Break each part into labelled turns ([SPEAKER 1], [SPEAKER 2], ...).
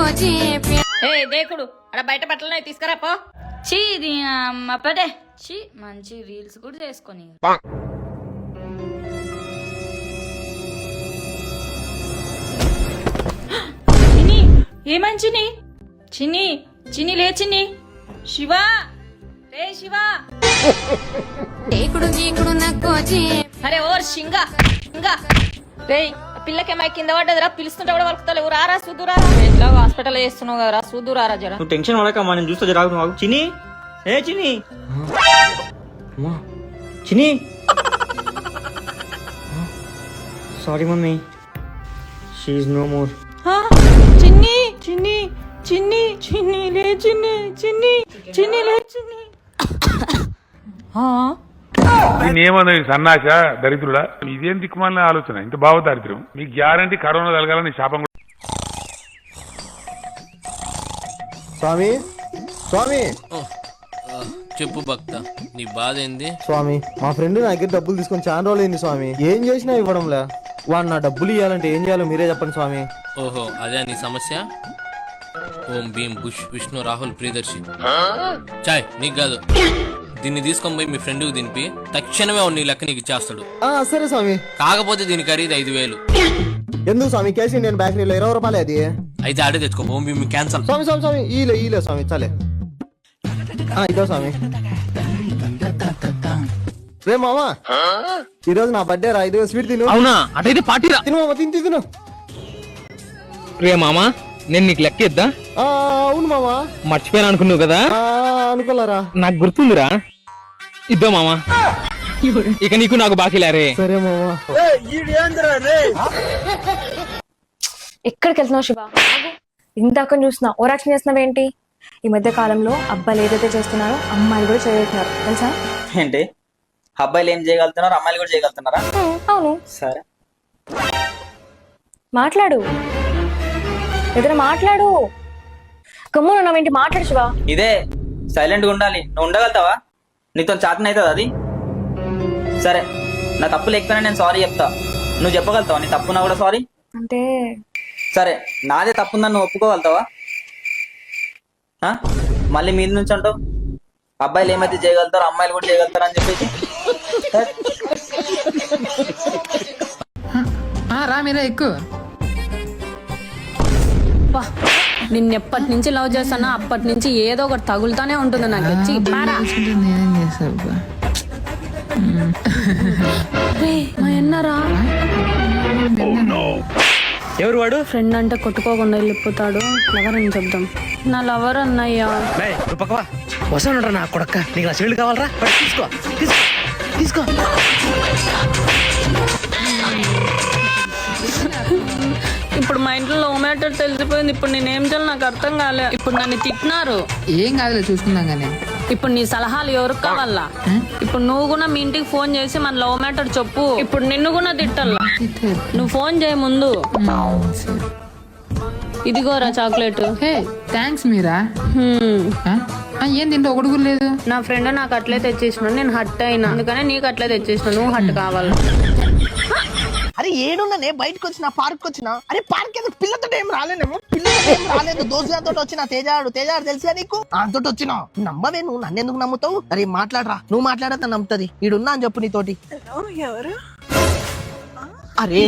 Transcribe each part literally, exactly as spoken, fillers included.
[SPEAKER 1] ఏ దేకుడు అక్కడ బయట బట్టలు తీసుకురా పో.
[SPEAKER 2] చీ ఇది అమ్మ పదే చీ మంచి రీల్స్ కూడా చేసుకొని చిన్ని ఏమని చిన్ని చిన్ని చిన్ని లే చిన్ని శివ రే శివ అరే ఓర్ షింగా షింగా రే పిల్లకేమై కింద పడ్డదిరా పిలుస్తుంటే కూడా వలుకుతలేవు రారా సూదురారా ఎట్లా హాస్పిటల్ చేస్తున్నావు కదరా సూదురారా జర
[SPEAKER 3] నువ్వు టెన్షన్ పడకమ్మా నేను చూస్తా జరా నువ్వు చిన్ని ఏ Chinni Chinni sorry mummy she is no more.
[SPEAKER 2] Chinni Chinni Chinni చిన్ని లే చిన్ని చిన్ని చిన్ని లే చిన్ని
[SPEAKER 4] నేనేమన్నా సన్నాస దరిద్రుడా ఇదేం దిక్కుమాలిన ఆలోచన ఇంత బావ దరిద్రం మీకు గ్యారంటీ కరోనా కలగాలని శాపం.
[SPEAKER 5] స్వామి స్వామి
[SPEAKER 6] చెప్పు భక్త నీ బాధ ఏంది?
[SPEAKER 5] స్వామి మా ఫ్రెండ్ నా దగ్గర డబ్బులు తీసుకొని చాలా రోజులు అయింది స్వామి, ఏం చేసినా ఇవ్వడంలే. వాడు నా డబ్బులు ఇవ్వాలంటే ఏం చేయాలో మీరే చెప్పండి స్వామి.
[SPEAKER 6] ఓహో అదే నీ సమస్య. ఓం భీమ్ బుష్ విష్ణు రాహుల్ ప్రియదర్శి చాయ్ నీకు కాదు, దీన్ని తీసుకొని పోయి మీ ఫ్రెండ్ కి దింపి తక్షణమే నీ లెక్క నీకు ఇచ్చేస్తాడు.
[SPEAKER 5] సరే స్వామి.
[SPEAKER 6] కాకపోతే దీని ఖరీదు ఐదు వేలు.
[SPEAKER 5] ఎందుకు స్వామి? కేసు ఇండియన్ బేకరీలో ఇరవై రూపాయలు అది.
[SPEAKER 6] అయితే ఆడే తెచ్చుకో. ఓం భీమ్ క్యాన్సల్.
[SPEAKER 5] స్వామి స్వామి స్వామి ఈలే ఈలే స్వామి చాలే. ఇదో స్వామి. రే మామా ఈ రోజు నా బర్త్డే రా, ఇదిగో స్వీట్ తిను.
[SPEAKER 7] అవునా అటైతే పార్టీ రా.
[SPEAKER 5] తిను మామ తిని తిను.
[SPEAKER 7] రే మామా నేను నీకు లెక్క ఇద్దా?
[SPEAKER 5] అవును మామా
[SPEAKER 7] మర్చిపోయాను అనుకున్నావు కదా.
[SPEAKER 5] అనుకోలేరా?
[SPEAKER 7] నాకు గుర్తుందిరా. ఇద్దా మామా, ఇక నీకు నాకు బాకీలారే.
[SPEAKER 5] సరే మామా.
[SPEAKER 8] ఎక్కడికి వెళ్తున్నావు శివ? ఇందాక చూస్తున్నా ఓరాక్షన్ చేస్తున్నావేంటి? ఈ మధ్య కాలంలో అబ్బాయిలు ఏదైతే చేస్తున్నారో అమ్మాయిలు కూడా చేయగలుగుతున్నారు తెలుసా?
[SPEAKER 3] ఏంటి అబ్బాయిలు ఏం చేయగలుగుతున్నారు అమ్మాయిలు కూడా చేయగలుగుతున్నారా?
[SPEAKER 8] అవును.
[SPEAKER 3] సరే
[SPEAKER 8] మాట్లాడు, ఏదైనా మాట్లాడు. గమ్మున ఉన్నావేంటి? మాట్లాడు శివ.
[SPEAKER 3] ఇదే సైలెంట్ గా ఉండాలి. నువ్వు ఉండగలుగుతావా? నీతో చాటన అవుతుంది అది. సరే నా తప్పు లేకపోయినా నేను సారీ చెప్తా, నువ్వు చెప్పగలుగుతావా? నీ తప్పున్నా కూడా సారీ
[SPEAKER 8] అంటే
[SPEAKER 3] సరే నాదే తప్పుందని నువ్వు ఒప్పుకోగలుగుతావా? మళ్ళీ మీద నుంచి అంటావు అబ్బాయిలు ఏమైతే చేయగలుగుతారో అమ్మాయిలు కూడా చేయగలుగుతారు అని చెప్పేసి.
[SPEAKER 9] రా మీరే ఎక్కువ.
[SPEAKER 1] నిన్నెప్పటి నుంచి లవ్ చేస్తానా అప్పటి నుంచి ఏదో ఒకటి తగులుతానే ఉంటుంది నాకు. వచ్చి
[SPEAKER 9] నేనేం చేసా
[SPEAKER 1] మా అన్నరా
[SPEAKER 3] ఎవరు వాడు?
[SPEAKER 1] ఫ్రెండ్ అంటే కొట్టుకోకుండా వెళ్ళిపోతాడు. లవర్ అని చెప్దాం. నా లవర్ అన్నయ్యా.
[SPEAKER 7] వస్తాను నా కొడక్క, నీకు నా చెల్లి కావాలరా? తీసుకో తీసుకో తీసుకో.
[SPEAKER 1] ఇప్పుడు మా ఇంట్లో లవ్ మ్యాటర్ తెలిసిపోయింది. ఇప్పుడు నేనేం చేయాలి నాకు అర్థం కాలే. ఇప్పుడు నన్ను తిట్టినారు.
[SPEAKER 9] ఏం కాదులే చూసుకుందాం కానీ.
[SPEAKER 1] ఇప్పుడు నీ సలహాలు ఎవరికి కావాలా? ఇప్పుడు నువ్వు కూడా మీ ఇంటికి ఫోన్ చేసి మన లవ్ మ్యాటర్ చెప్పు. ఇప్పుడు నిన్ను కూడా తిట్టాలా? నువ్వు ఫోన్ చేయ ముందు. ఇదిగోరా చాక్లెట్.
[SPEAKER 9] హే థ్యాంక్స్ మీరా. ఏం తింటే ఒకటి కూడా లేదు.
[SPEAKER 1] నా ఫ్రెండ్ నాకు అట్లే తెచ్చేసినాడు, నేను హట్ అయినా, అందుకనే నీకు అట్లే తెచ్చేసిన. నువ్వు హట్ కావాలి.
[SPEAKER 10] అరే ఏడున్నానే బయటకు వచ్చిన పార్క్ వచ్చిన. అరే పార్క్ ఎందుకు? పిల్లతో ఏం రాలేనేమో. పిల్లతో ఏం రాలేదు, దోస్తులతో వచ్చిన. తేజాడు తేజాడు తెలుసా నీకు? అంతటి వచ్చిన నమ్మవే నువ్వు. నన్ను ఎందుకు నమ్ముతావు? అరే మాట్లాడరా, నువ్వు మాట్లాడతా నమ్ముతుంది. ఈడున్నా అని చెప్పు నీతోటి. అరే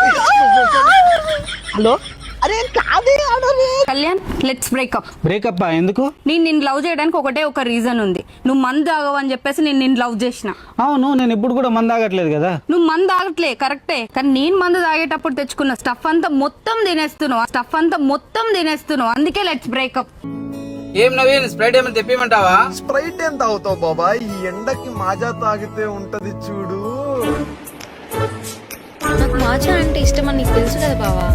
[SPEAKER 10] హలో. అరే కాదే
[SPEAKER 11] కళ్యాణ్, లెట్స్ బ్రేకప్.
[SPEAKER 7] బ్రేకప్ ఎందుకు?
[SPEAKER 11] నేను నిన్ను లవ్ చేయడానికి ఒకటే ఒక రీజన్ ఉంది. నువ్వు మందు తాగవు అని చెప్పేసి నేను నిన్ను లవ్ చేసిన.
[SPEAKER 7] అవును, నేను ఇప్పుడు కూడా మందు తాగట్లేదు కదా.
[SPEAKER 11] నువ్వు మందు తాగట్లే కరెక్టే, కానీ నేను మందు తాగేటప్పుడు తెచ్చుకున్న స్టఫ్ అంతా మొత్తం తినేస్తున్నావు. ఆ స్టఫ్ అంతా మొత్తం తినేస్తున్నావు. అందుకే లెట్స్ బ్రేకప్.
[SPEAKER 7] ఏం నవీన్, స్ప్రైట్ ఏమైనా తెప్పిమంటావా?
[SPEAKER 5] స్ప్రైట్ ఏం తాగుతావు బాబా? ఈ ఎండకి మాజా తాగితే ఉంటది చూడు.
[SPEAKER 8] నాకు మాజా అంటే ఇష్టం అని నీకు తెలుసు కదా బావా.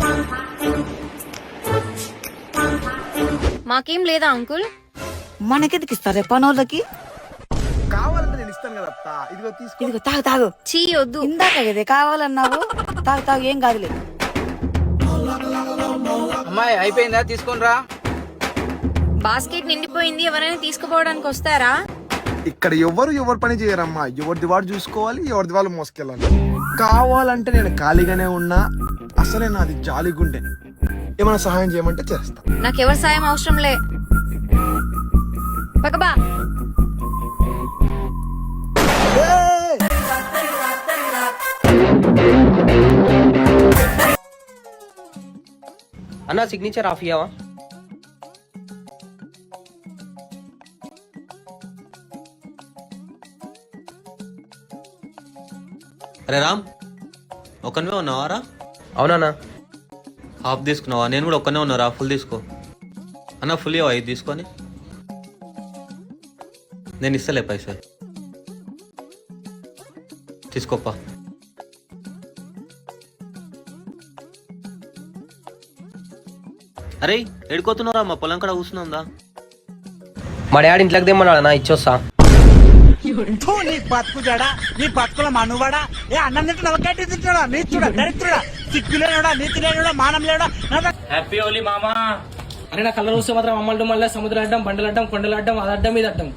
[SPEAKER 8] మాకేం లేదా అంకుల్?
[SPEAKER 11] మనకెందుకు ఇస్తారే పనోళ్ళకి?
[SPEAKER 5] కావాలంటే నేను ఇస్తాను కదా. ఇదిగో తీసుకో.
[SPEAKER 11] ఇదిగో తాగు తాగు.
[SPEAKER 8] చీ వద్దు.
[SPEAKER 11] ఇందాక కదే కావాలన్నావు. తాగు తాగు, ఏం కాదులే.
[SPEAKER 7] అమ్మాయి అయిపోయిందా? తీసుకొని రా.
[SPEAKER 8] బాస్కెట్ నిండిపోయింది, ఎవరైనా తీసుకుపోవడానికి వస్తారా?
[SPEAKER 5] ఇక్కడ ఎవరు ఎవరు పని చేయరమ్మా. ఎవరిది వాడు చూసుకోవాలి, ఎవరిది వాళ్ళు మోసుకెళ్ళాలి. కావాలంటే నేను ఖాళీగానే ఉన్నా, అసలే నాది జాలి గుండె. ఏమైనా సహాయం చేయమంటే చేస్తా.
[SPEAKER 8] నాకెవరి సాయం అవసరం లే. పక్కబా.
[SPEAKER 3] అన్న సిగ్నేచర్ ఆఫ్ ఇయ్యావా?
[SPEAKER 6] అరే రామ్, ఒక్కనే ఉన్నావారా?
[SPEAKER 3] అవునా?
[SPEAKER 6] హాఫ్ తీసుకున్నావా? నేను కూడా ఒక్కనే ఉన్నారా? ఫుల్ తీసుకో అన్న. ఫుల్ ఇవ్వ, ఐదు తీసుకొని. నేను ఇస్తలే పైసలు, తీసుకోప్పా. అరే ఎడుకోతున్నారా? మా పొలం కూడా కూర్చుందా?
[SPEAKER 3] మా డాడీ ఇంట్లోకి తెమ్మన్నాడు నా, ఇచ్చొస్తా.
[SPEAKER 10] నీ బతుకు జడా, నీ బతుకుల మనువాడా, ఏ అన్నం తింటున్నా గట్టి తింటున్నా, నీచుడా దరిద్రుడా, సిగ్గు లేనుడా, నీతి లేనుడా, మానం లేనుడా.
[SPEAKER 3] హ్యాపీ హోలీ మామా.
[SPEAKER 7] అరే నా కళ్ళ చూస్తే మాత్రం అమ్మడం మళ్ళీ సముద్రం అడ్డం, బండలు అడ్డం, కొండలు అడ్డం, అది అడ్డం ఇది అడ్డం.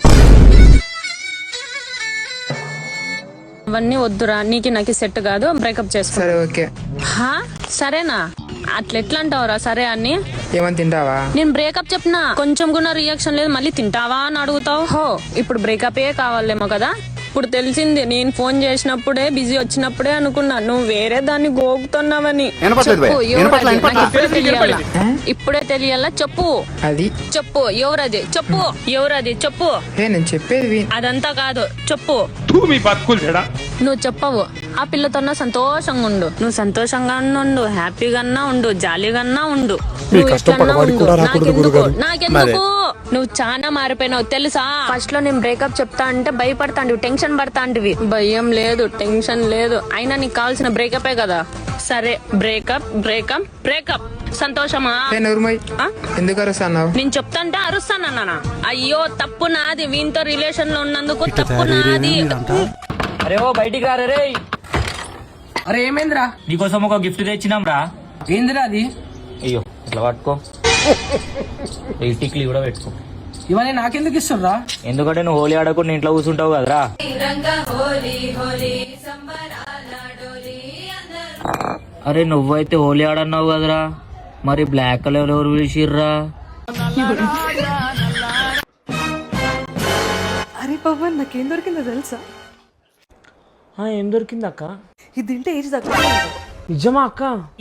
[SPEAKER 1] అవన్నీ వద్దురా, నీకు నాకు సెట్ కాదు, బ్రేకప్ చేసుకో.
[SPEAKER 9] సరే ఓకే.
[SPEAKER 1] హా సరేనా? అట్లా ఎట్లా అంటావురా సరే అని?
[SPEAKER 9] ఏమని తింటావా?
[SPEAKER 1] నేను బ్రేకప్ చెప్పినా కొంచెం కూడా రియాక్షన్ లేదు, మళ్ళీ తింటావా అని అడుగుతావు. హో ఇప్పుడు బ్రేకప్ ఏ కావాలేమో కదా. ఇప్పుడు తెలిసింది, నేను ఫోన్ చేసినప్పుడే బిజీ వచ్చినప్పుడే అనుకున్నా నువ్వు వేరే దాన్ని గోగుతున్నావని. చెప్పు ఎవరది? నాకు ఇప్పుడే తెలియాలా, ఇప్పుడే తెలియాలా? చెప్పు
[SPEAKER 9] అది
[SPEAKER 1] చెప్పు ఎవరది? చెప్పు ఎవరది? చెప్పు.
[SPEAKER 9] ఏ నేను చెప్పేది
[SPEAKER 1] అదంతా కాదు, చెప్పు.
[SPEAKER 4] మీ బతుకులు చెడా.
[SPEAKER 1] నువ్వు చెప్పవు. ఆ పిల్లతో సంతోషంగా ఉండు, నువ్వు సంతోషంగా ఉండు, హ్యాపీగా ఉండు, జాలీగా ఉండు. నువ్వు ఎట్లన్నా ఉండు, నాకెందుకు నాకెందుకు నువ్వు చాలా మారిపోయినావు తెలుసా. ఫస్ట్ లో నేను బ్రేకప్ చెప్తా అంటే భయపడతాండివి, టెన్షన్ పడతాంటివి. భయం లేదు, టెన్షన్ లేదు, అయినా నీకు కావాల్సిన బ్రేకపే కదా. సరే బ్రేకప్ బ్రేకప్ బ్రేకప్. సంతోషమా?
[SPEAKER 9] ఎందుకు అరుస్తున్నావు?
[SPEAKER 1] నేను చెప్తాంటే అరుస్తానన్నా. అయ్యో తప్పు నాది, వీనితో రిలేషన్ లో ఉన్నందుకు తప్పు నాది.
[SPEAKER 3] అరే ఓ బయటికి రారే రే.
[SPEAKER 7] అరే ఏమైందిరా?
[SPEAKER 3] నీకోసం ఒక గిఫ్ట్ తెచ్చినాం రా.
[SPEAKER 7] ఏందిరా అది?
[SPEAKER 3] అయ్యో ఇట్లా పట్టుకో, ఈ టిక్లీ కూడా పెట్టుకో.
[SPEAKER 7] ఇవన్నీ నాకెందుకు ఇస్తుర్రా?
[SPEAKER 3] ఎందుకంటే నువ్వు హోలీ ఆడకుండా ఇంట్లో కూర్చుంటావు కదరా. అరే నువ్వైతే హోలీ ఆడన్నావు కదరా, మరి బ్లాక్ కలర్ ఎవరు పిలిచిర్రా?
[SPEAKER 11] అరే పవన్, నాకేం దొరికిందో తెలుసా?
[SPEAKER 7] ఏం దొరికింది అక్క?
[SPEAKER 11] ఇది తింటే ఏజ్ తక్కువ.
[SPEAKER 7] నిజమా అక్క?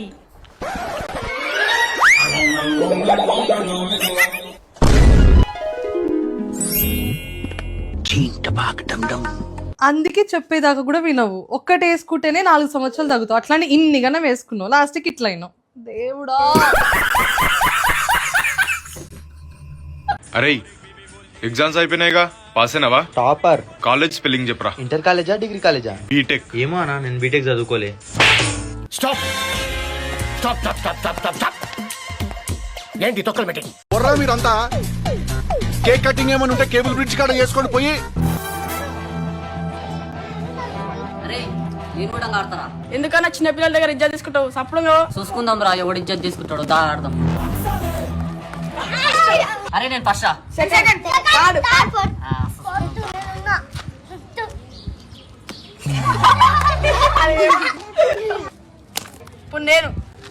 [SPEAKER 11] అందుకే చెప్పేదాకా కూడా వినవు. ఒక్కటి వేసుకుంటేనే నాలుగు సంవత్సరాలు తగ్గుతావు, అట్లానే ఇన్ని గన వేసుకున్నావు, లాస్ట్కి ఇట్లా అయినావు. దేవుడా.
[SPEAKER 12] అరే ఎగ్జామ్స్ అయిపోయినాయిగా, పాస్ అయినావా?
[SPEAKER 5] టాపర్.
[SPEAKER 12] కాలేజ్ స్పెల్లింగ్ చెప్పరా.
[SPEAKER 5] ఇంటర్ కాలేజా డిగ్రీ కాలేజా?
[SPEAKER 12] బీటెక్.
[SPEAKER 3] ఏమో అన్నా, నేను బీటెక్ చదువుకోలే.
[SPEAKER 10] Stop stop stop stop stop stop stop. ఏంటి తొక్కలు పెట్టి
[SPEAKER 12] బొర్రా మీరంతా? కేక్ కటింగ్ ఏమని ఉంటే కేబుల్ బ్రిడ్జ్ కాడ చేసుకొని పోయి.
[SPEAKER 11] ఎందుకన్నా చిన్న పిల్లల దగ్గర ఇజ్జత్ తీసుకుంటావు? సప్పుడు
[SPEAKER 3] చూసుకుందాం రా, ఎవడు ఇజ్జత్ తీసుకుంటాడు, దా ఆడదాం. అరే నేను ఫస్ట్ రా.
[SPEAKER 11] ఇప్పుడు నేను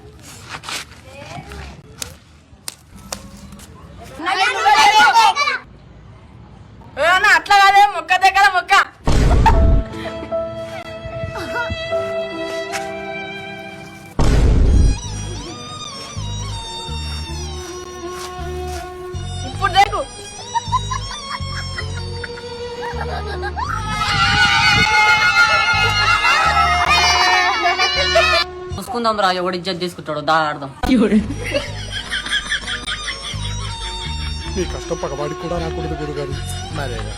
[SPEAKER 11] అట్లా కాదే, మొక్క దగ్గర మొక్క. ఇప్పుడు దేకు.
[SPEAKER 3] చూసుకుందాం రా, ఎవడు ఇజ్జత్ తీసుకుంటాడు, దా ఆడదాం.
[SPEAKER 5] మీ కష్టం పగవాడికి కూడా రాకూడదు గురుగారు. మరేగా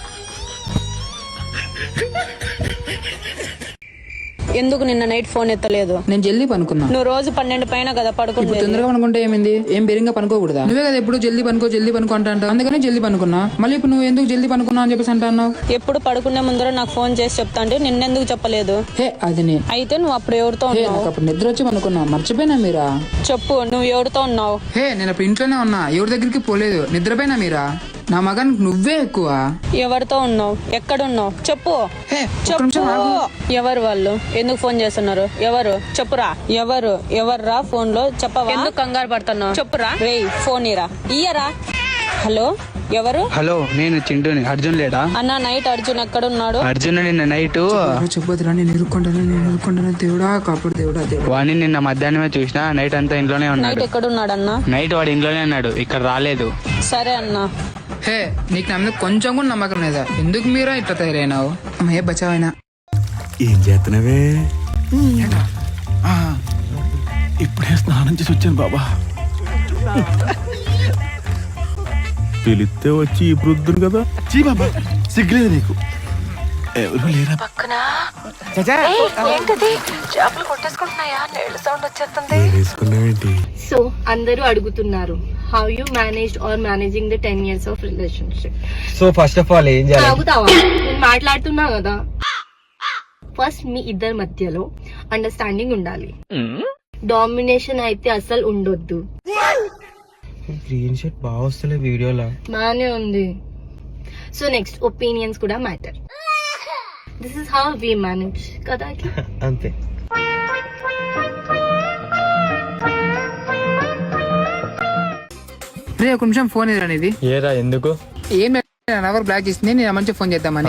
[SPEAKER 1] ఎందుకు నిన్న నైట్ ఫోన్ ఎత్తలేదు?
[SPEAKER 9] నేను జల్దీ పనుకున్నా.
[SPEAKER 1] నువ్వు రోజు పన్నెండు పైన కదా పడుకుంటుంది.
[SPEAKER 9] తొందరగా పనుకుంటే ఏమైంది? ఏం బేరింగా పనుకోకూడదా? నువ్వే కదా ఎప్పుడు జల్దీ పనుకో జల్దీ పనుకో అంటావు, అందుకని జల్దీ పనుకున్నా. మళ్ళీ ఇప్పుడు నువ్వు ఎందుకు జల్దీ పనుకున్నా అని చెప్పేసి అంటున్నావు?
[SPEAKER 1] ఎప్పుడు పడుకునే ముందర నాకు ఫోన్ చేసి చెప్తా అంటే నిన్నెందుకు చెప్పలేదు?
[SPEAKER 9] హే అది నేను.
[SPEAKER 1] అయితే నువ్వు అప్పుడు ఎవరితో
[SPEAKER 9] హే
[SPEAKER 1] ఉన్నావు?
[SPEAKER 9] నాకు అప్పుడు నిద్ర వచ్చి పనుకున్నా, మర్చిపోయినా మీరా?
[SPEAKER 1] చెప్పు, నువ్వు ఎవరితో ఉన్నావు?
[SPEAKER 9] హే నేను అప్పుడు ఇంట్లోనే ఉన్నా, ఎవరి దగ్గరికి పోలేదు, నిద్రపోయినా మీరా? నా మగానికి నువ్వే ఎక్కువ.
[SPEAKER 1] ఎవరితో ఉన్నావు? ఎక్కడున్నావు? చెప్పు
[SPEAKER 9] హే, ఒక్క
[SPEAKER 1] చెప్పు.
[SPEAKER 9] నిమిషం ఆగు.
[SPEAKER 1] ఎవరు వాళ్ళు? ఎందుకు ఫోన్ చేస్తున్నారు? ఎవరు? చెప్పురా. ఎవరు? ఎవర్రా ఫోన్ లో? చెప్పవా? ఎందుకు కంగారు పడుతున్నావు? చెప్పురా. రేయ్ ఫోన్ ఇరా. ఇయ్యరా. హలో, ఎవరు?
[SPEAKER 13] హలో, నేను చింటూని. అర్జున్ లేడా?
[SPEAKER 1] అన్న, నైట్ అర్జున్ ఎక్కడున్నాడు?
[SPEAKER 13] అర్జున్ నిన్న నైట్
[SPEAKER 9] చెప్పొద్దురా, నేను ఇరుక్కుంటాను, నేను ఇరుక్కుంటాను. దేవుడా కాపాడు, దేవుడా దేవుడా.
[SPEAKER 13] వాడిని నిన్న మధ్యాహ్నమే చూసిన. నైట్ అంతా ఇంట్లోనే
[SPEAKER 1] నైట్
[SPEAKER 13] ఉన్నాడు.
[SPEAKER 1] ఎక్కడున్నాడు అన్న?
[SPEAKER 13] నైట్ వాడు ఇంట్లోనే ఉన్నాడు, ఇక్కడ రాలేదు.
[SPEAKER 1] సరే అన్న.
[SPEAKER 9] హే, నీకు నా మీద కొంచెం కూడా నమ్మకం లేదా? ఎందుకు మీరా ఇట్లా తయారైనావు? అమ్మయ్య బచావైనా.
[SPEAKER 12] ఏం చేస్తున్నావే? ఇప్పుడే స్నానం చేసి వచ్చాను బాబా. పిలిస్తే వచ్చి ఇప్పుడు వద్దును కదా. చీ బాబా, సిగ్గులేదు నీకు? ఎవరు లేరా పక్కన?
[SPEAKER 8] చేపలు కొట్టేసుకుంటున్నాయా? నీళ్ళ సౌండ్ వచ్చేస్తుంది.
[SPEAKER 12] వేసుకున్నావేంటి?
[SPEAKER 8] సో అందరూ అడుగుతున్నారు, how you managed or managing the ten years of relationship.
[SPEAKER 5] So first of all ఏం చేయాలి?
[SPEAKER 8] ఆగుతావా? నేను మాట్లాడుతున్నా కదా. ఫస్ట్ మీ ఇద్దరి మధ్యలో అండర్స్టాండింగ్ ఉండాలి. డామినేషన్ అయితే అసలు ఉండొద్దు.
[SPEAKER 5] గ్రీన్ షర్ట్ బాగా వస్తలే వీడియోలో.
[SPEAKER 8] బానే ఉంది. సో నెక్స్ట్ ఒపీనియన్స్ కూడా matter. This is how we manage కదా.
[SPEAKER 5] అంతే.
[SPEAKER 9] రే ఒక నిమిషం ఫోన్ ఎదురా నీది.
[SPEAKER 5] ఏరా ఎందుకు?
[SPEAKER 9] ఏం ఎవరు బ్లాక్ చేసింది, నేను మంచిగా ఫోన్ చేద్దామని.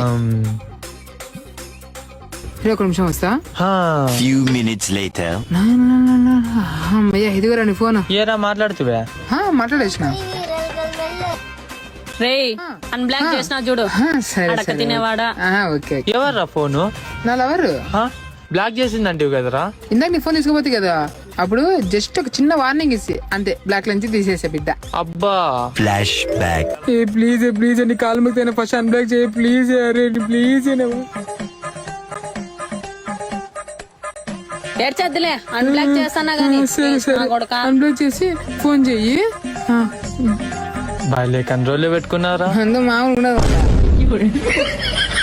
[SPEAKER 9] రే ఒక నిమిషం వస్తా.
[SPEAKER 12] Few minutes later.
[SPEAKER 9] అమ్మయ్య ఇదిగోరా నీ ఫోన్.
[SPEAKER 5] ఏరా మాట్లాడుతువా?
[SPEAKER 9] మాట్లాడేసిన.
[SPEAKER 1] రేయ్ అన్బ్లాక్ చేసినా చూడు.
[SPEAKER 9] సరే
[SPEAKER 1] అడక తినేవాడా.
[SPEAKER 9] ఓకే.
[SPEAKER 5] ఎవర్రా ఫోను?
[SPEAKER 9] నా లవరు
[SPEAKER 5] బ్లాక్ చేసిందంటివి కదరా?
[SPEAKER 9] ఇందాక నీ ఫోన్ తీసుకోపోతే కదా, అప్పుడు జస్ట్ ఒక చిన్న వార్నింగ్ ఇచ్చి అంతే, బ్లాక్ నుంచి తీసేసా బిడ్డ.
[SPEAKER 5] అబ్బా.
[SPEAKER 12] Flash back.
[SPEAKER 9] ఏ ప్లీజ్ ప్లీజ్ అని కాలు ముక్తైనా ఫస్ట్ అన్బ్లాక్ చేయ ప్లీజ్. అరే ప్లీజ్.
[SPEAKER 1] ఏడ్చద్దులే, అన్బ్లాక్ చేస్తానా గానీ.
[SPEAKER 9] సరే సరే అన్బ్లాక్ చేసి ఫోన్ చెయ్యి.
[SPEAKER 5] బాలే కంట్రోల్లో పెట్టుకున్నారా?
[SPEAKER 9] అందు మామూలు ఉండదు.